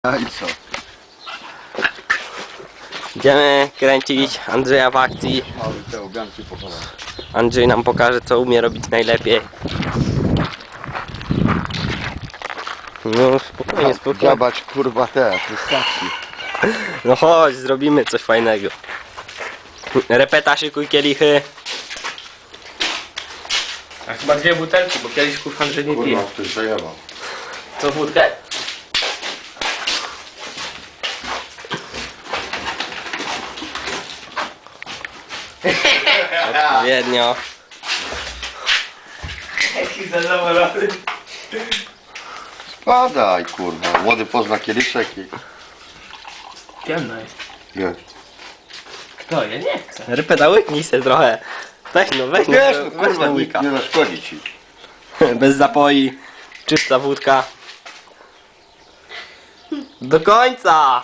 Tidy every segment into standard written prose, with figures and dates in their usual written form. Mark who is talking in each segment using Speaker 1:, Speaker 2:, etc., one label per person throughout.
Speaker 1: No i co?
Speaker 2: Idziemy kręcić Andrzeja w akcji.
Speaker 1: Ale te obianki pochować.
Speaker 2: Andrzej nam pokaże, co umie robić najlepiej. No spokojnie, spokojnie.
Speaker 1: Dziabać kurwa te wystarczy.
Speaker 2: No chodź, zrobimy coś fajnego. Repeta, szykuj kielichy. A chyba 2 butelki, bo kieliszków Andrzej nie pije.
Speaker 1: Kurwa, ktoś zajebał.
Speaker 2: Co, wódkę? Odpowiednio.
Speaker 3: Jaki zadowolony.
Speaker 1: Spadaj kurwa, młody pozna kieliszek i...
Speaker 3: Ciemno jest.
Speaker 1: Wiesz.
Speaker 3: Kto? Ja nie chcę.
Speaker 2: Repeta, łyknij se trochę. Weź no, weź no,
Speaker 1: Wiesz, no
Speaker 2: weź
Speaker 1: kurwa,
Speaker 2: no
Speaker 1: nikt
Speaker 2: łyka.
Speaker 1: nie zaszkodzi ci.
Speaker 2: Bez zapoi, czysta wódka. Do końca!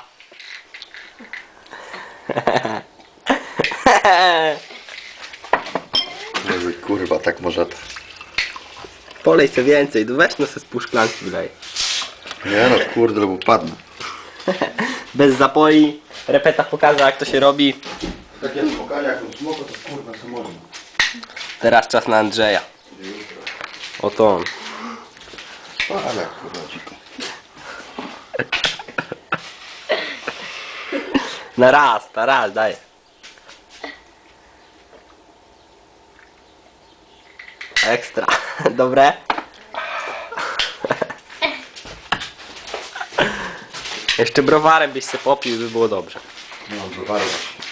Speaker 1: Może kurwa, tak może...
Speaker 2: Polej se więcej, weź no se z pół szklanki wlej.
Speaker 1: Nie no kurde, bo padnę.
Speaker 2: Bez zapoi, repeta pokaże jak to się robi.
Speaker 1: Takie spokojnie, jak on smoko, to kurwa co można.
Speaker 2: Teraz czas na Andrzeja. Oto on.
Speaker 1: Ale kurwa dziko.
Speaker 2: Na raz, daję. Ekstra. Dobre? Jeszcze browarem byś se popił, by było dobrze.
Speaker 1: No, zobaczysz.